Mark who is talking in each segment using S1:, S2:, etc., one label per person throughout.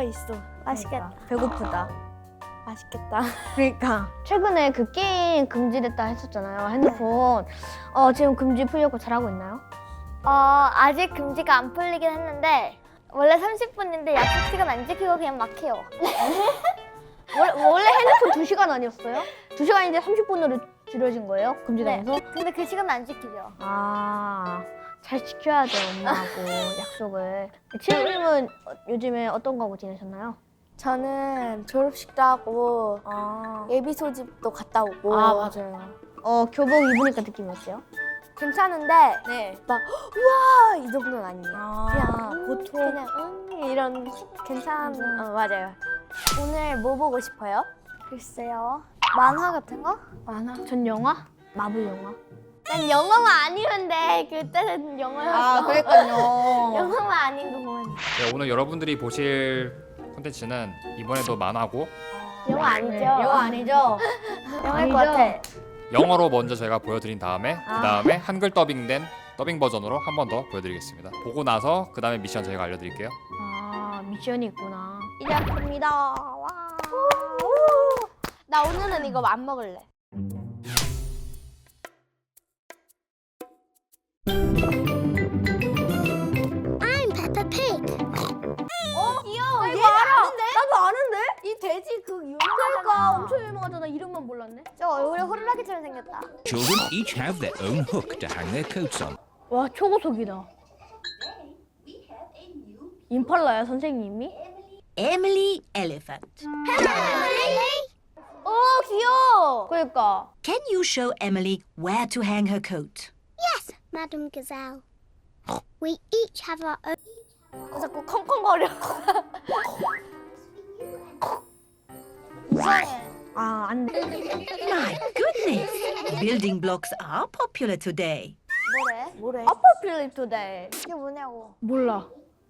S1: 있어. 맛있겠다.
S2: 배고프다.
S1: 맛있겠다.
S2: 그러니까 최근에 그 게임 금지됐다 했었잖아요. 핸드폰. 지금 금지 풀려고 잘하고 있나요?
S1: 아직 금지가 안 풀리긴 했는데 원래 30분인데 약속 시간 안 지키고 그냥 막 해요.
S2: 원래 핸드폰 2시간 아니었어요? 2시간인데 30분으로 줄여진 거예요?
S1: 네.
S2: 금지되면서?
S1: 근데 그 시간 안 지키죠.
S2: 잘 지켜야 돼, 엄마하고 약속을. 치우님은 요즘에 어떤 거 하고 지내셨나요?
S1: 저는 졸업식도 하고 예비 소집도 갔다 오고.
S2: 맞아요. 교복 입으니까 느낌이 어때요?
S1: 괜찮은데
S2: 네.
S1: 막 우와 이 정도는 아니에요. 그냥
S2: 보통.
S1: 그냥 이런 맞아요. 오늘 뭐 보고 싶어요? 글쎄요. 만화 같은 거?
S2: 만화? 전 영화? 마블 영화?
S1: 난 영화만 아니면 돼. 그때는 영화였어.
S2: 그랬군요.
S1: 영화만 아닌 거 보면 돼.
S3: 네, 오늘 여러분들이 보실 콘텐츠는 이번에도 만화고
S1: 영화 아니죠?
S2: 영화 아니죠?
S1: 영화일 것
S2: 아니죠?
S1: 같아.
S3: 영어로 먼저 제가 보여드린 다음에 그 다음에 한글 더빙된 더빙 버전으로 한 번 더 보여드리겠습니다. 보고 나서 그 다음에 미션 저희가 알려드릴게요.
S2: 미션이 있구나. 시작합니다. 와.
S1: 나 오늘은 이거 안 먹을래.
S4: I'm Peppa Pig.
S1: 귀여워.
S2: 이거 알아. 나도 아는데?
S1: 이 돼지 그
S2: 그러니까
S1: 유명하잖아.
S2: 엄청 유명하잖아. 이름만 몰랐네.
S1: 저 얼굴에 호루라기처럼 생겼다.
S5: Children each have their own hook to hang their coats on.
S2: 와, 초고속이다. 임팔라야, 선생님이?
S6: Emily Elephant.
S1: 귀여워.
S2: 그러니까.
S6: Can you show Emily where to hang her coat?
S4: Yes, Madam Gazelle. We each have our own.
S1: 자꾸 컹컹거려. 이상해.
S2: 안 돼.
S6: My goodness! Building blocks are popular today.
S1: 뭐래?
S2: Popular today.
S1: 이게 뭐냐고.
S2: 몰라.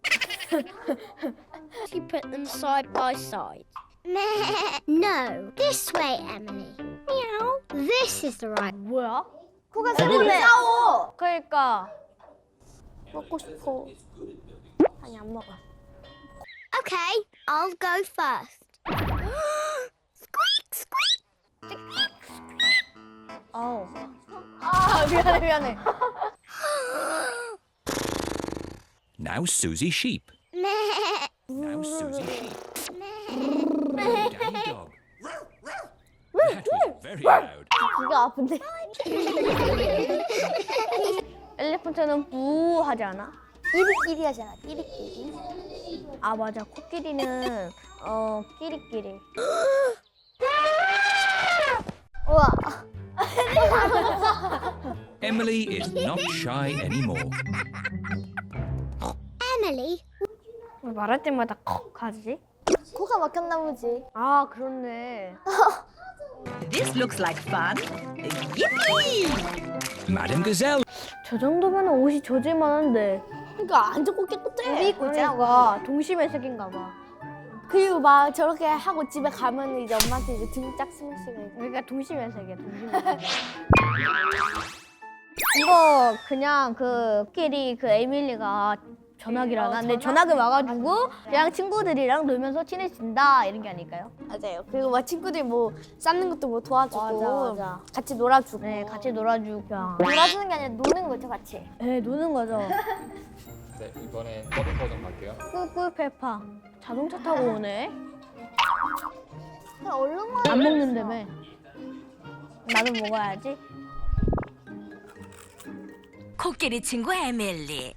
S4: You put them side by side. No, this way, Emily. Meow. This is the right.
S2: 뭐야?
S1: 코가 소리네. 싸워.
S2: 그러니까.
S1: 먹고 싶어. 아니 안 먹어.
S4: Okay, I'll go first. Squeak, squeak.
S2: 미안해.
S5: Now Susie Sheep. Now Susie Sheep. Danny Dog. That was very loud.
S1: 귀가 아픈데.
S2: 엘리펀트는 부 하지 않아?
S1: 끼리끼리 하잖아. 끼리끼리.
S2: 맞아. 코끼리는 끼리끼리.
S1: 우와.
S5: Emily is not shy anymore.
S4: Emily,
S2: 왜 말할 때마다 컥 하지?
S1: 코가 막혔나 보지.
S2: 그렇네.
S6: This looks like fun. Yippee!
S5: Madam Gazelle.
S2: 저 정도면 옷이 젖을만한데.
S1: 그러니까 안 좋고 깨끗해. 우리 입고 있잖아.
S2: 그러니까 동심의색인가 봐.
S1: 그리고 막 저렇게 하고 집에 가면 이제 엄마한테 이제 등짝 스매시가 있고.
S2: 그러니까 동심의색이야, 동심의색. 이거 그냥 그 코끼리 그 에밀리가 전화기를 하는데 전화기 와가지고 그냥 친구들이랑 놀면서 친해진다 이런 게 아닐까요?
S1: 맞아요. 그리고 막 친구들 뭐 쌓는 것도 뭐 도와주고
S2: 맞아.
S1: 같이 놀아주고.
S2: 네, 같이 놀아주고.
S1: 놀아주는 게 아니라 노는 거죠, 같이.
S2: 네, 노는 거죠.
S3: 네, 이번엔 더빙 버전 갈게요.
S2: 꿀꿀 페파. 자동차 타고 오네.
S1: 그냥 얼른만.
S2: 안 먹는다며. 나도 먹어야지.
S6: 코끼리 친구 에밀리.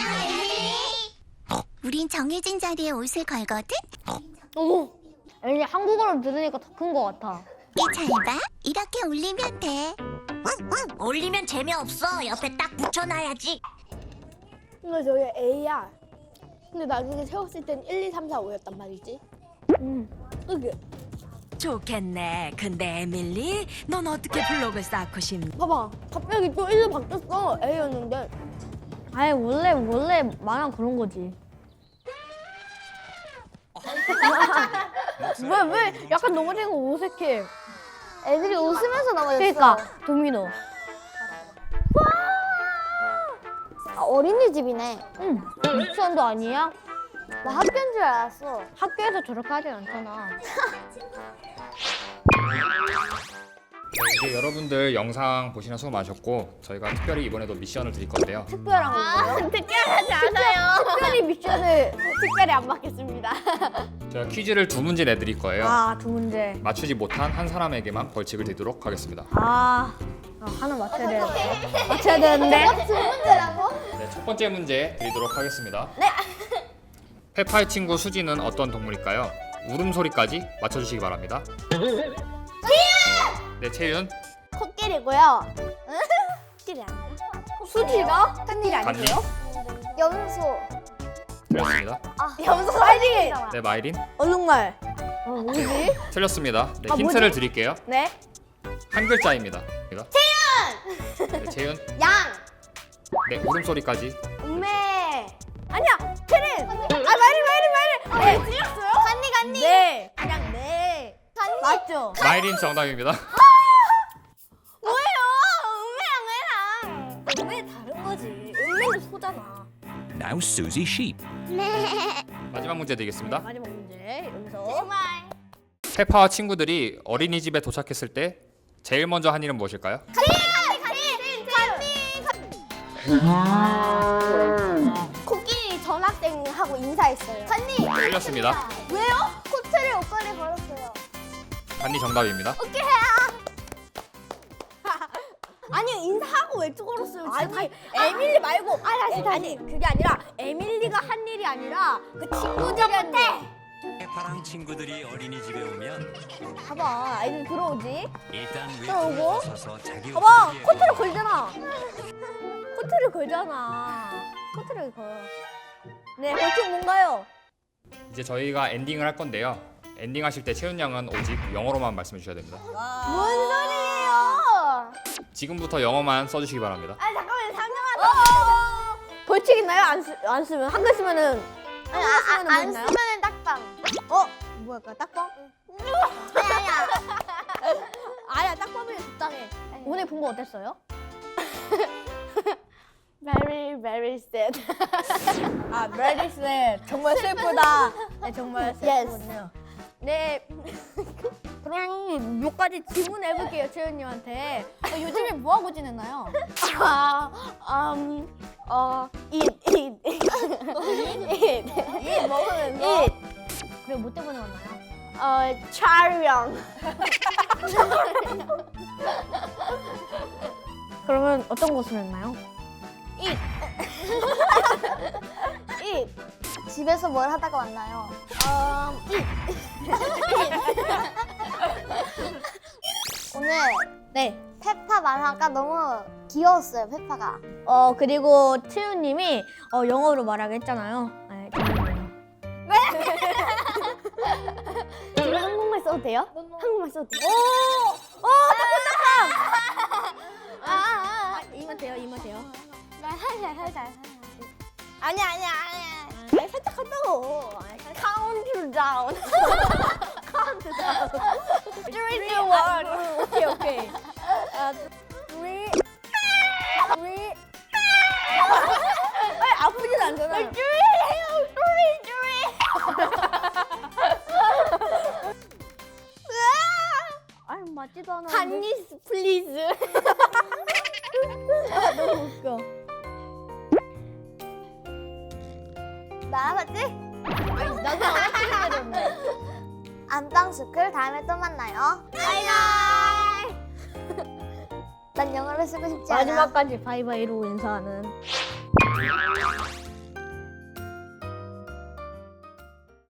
S4: 우린 정해진 자리에 옷을 걸거든.
S2: 왠지 한국어로 들으니까 더 큰 것 같아.
S4: 잘 봐. 이렇게 올리면 돼.
S6: 올리면 재미없어. 옆에 딱 붙여놔야지.
S1: 이거 저기 A야. 근데 나중에 세웠을 땐 1, 2, 3, 4, 5였단 말이지. 이게
S6: 좋겠네. 근데 에밀리, 넌 어떻게 블록을 쌓고 싶니?
S1: 봐봐. 갑자기 또 1로 바뀌었어. A였는데.
S2: 아예 원래 만화 그런 거지. 왜 약간 넘어지는 거 어색해.
S1: 애들이 웃으면서 넘어졌어.
S2: 그러니까 도미노.
S1: 어린이집이네.
S2: 유치원도 아니야?
S1: 나 학교인 줄 알았어.
S2: 학교에서 저렇게 하진 않잖아.
S3: 이제 여러분들 영상 보시느라 수고 많으셨고 저희가 특별히 이번에도 미션을 드릴 건데요.
S1: 특별한 거예요?
S2: 특별하지 않아요. 특별히 미션을
S1: 특별히 안 받겠습니다.
S3: 제가 퀴즈를 2문제 내드릴 거예요.
S2: 두 문제.
S3: 맞추지 못한 한 사람에게만 벌칙을 드리도록 하겠습니다.
S2: 하나 맞춰야 되는데. 맞춰야 되는데.
S1: 두 문제라고?
S3: 네, 첫 번째 문제 드리도록 하겠습니다. 네. 페파의 친구 수지는 어떤 동물일까요? 울음소리까지 맞춰주시기 바랍니다. 네, 채윤.
S1: 코끼리고요. 코끼리 아니야?
S2: 수지가?
S1: 코끼리
S3: 간니.
S1: 염소.
S3: 틀렸습니다.
S1: 염소 마이린.
S3: 네, 마이린.
S2: 얼룩말. 뭐지?
S3: 틀렸습니다. 네,
S2: 아,
S3: 힌트를
S2: 뭐지?
S3: 드릴게요.
S2: 네.
S3: 한 글자입니다. 채윤. 네, 채윤.
S1: 양.
S3: 네, 울음소리까지.
S1: 우메.
S2: 아니야. 체린. 마이린. 네.
S1: 틀렸어요? 간니.
S2: 네. 그냥 네.
S1: 간니.
S2: 맞죠?
S3: 마이린 정답입니다.
S1: 뭐예요? 우메랑
S2: 왜 다른 거지? 은매는 소잖아.
S5: Now Susie Sheep.
S3: 마지막 문제 드리겠습니다.
S2: 마지막 문제 여기서.
S1: 정말.
S3: 페파와 친구들이 어린이집에 도착했을 때 제일 먼저 한 일은 무엇일까요?
S1: 코끼리 전학생하고 인사했어요. 간니.
S3: 틀렸습니다.
S1: 왜요? 코트를 옷걸이 걸었어요.
S3: 간니 정답입니다.
S1: 아니 인사하고 외투 걸었어요.
S2: 아니 에밀리 말고 아니 그게 아니라 에밀리가 한 일이 아니라 그 친구들이 한 일.
S5: 페파랑 친구들이 어린이집에 오면
S2: 봐봐 아이들 들어오지.
S5: 일단
S2: 들어오고.
S5: 외투에 서서 자기
S2: 봐봐
S5: 옷을
S2: 코트를 걸잖아. 코트를 걸. 네 벌칙 뭔가요?
S3: 이제 저희가 엔딩을 할 건데요. 엔딩 하실 때 채윤 양은 오직 영어로만 말씀해 주셔야 됩니다.
S1: 뭔 소리예요?
S3: 지금부터 영어만 써주시기 바랍니다.
S1: 아 잠깐만 상정하다.
S2: 벌칙 있나요? 안 쓰면 한글 쓰면은
S1: 안
S2: 있나요?
S1: 쓰면은 딱방.
S2: 뭐랄까 딱밤?
S1: 아니야.
S2: 아니야 딱밤이 적당해. 오늘 본 거 어땠어요?
S1: Very sad.
S2: very sad. 정말 슬프다. 네, 정말 슬프군요. 네. 그럼 몇 가지 질문 해볼게요, 채연님한테. 요즘에 뭐 하고 지냈나요?
S1: eat.
S2: 이 먹으면서. 그리고 뭐 때문에 왔나요?
S1: 촬영.
S2: 그러면 어떤 곳을 했나요?
S1: eat. 집에서 뭘 하다가 왔나요? 오늘
S2: 네.
S1: 페파 만화가 너무 귀여웠어요. 페파가.
S2: 그리고 채연님이 영어로 말하게 했잖아요. 네, 재밌네요.
S1: 우리 한국말 써도 돼요? 한국말 써도 돼요?
S2: 이만 돼요, 이만 돼요.
S1: 살살. 아니야.
S2: 살짝 한다고.
S1: Count down.
S2: Three, one. 오케이. Three. 아프진 않잖아. 아니 맞지도 않아.
S1: 한니스 플리즈.
S2: 너무 웃겨.
S1: 나왔지?
S2: 아니 나도 안 했는데.
S1: 안땅스쿨 다음에 또 만나요. 바이바이. 난 영어를 쓰고 싶지 않아.
S2: 마지막까지 바이바이로 인사하는.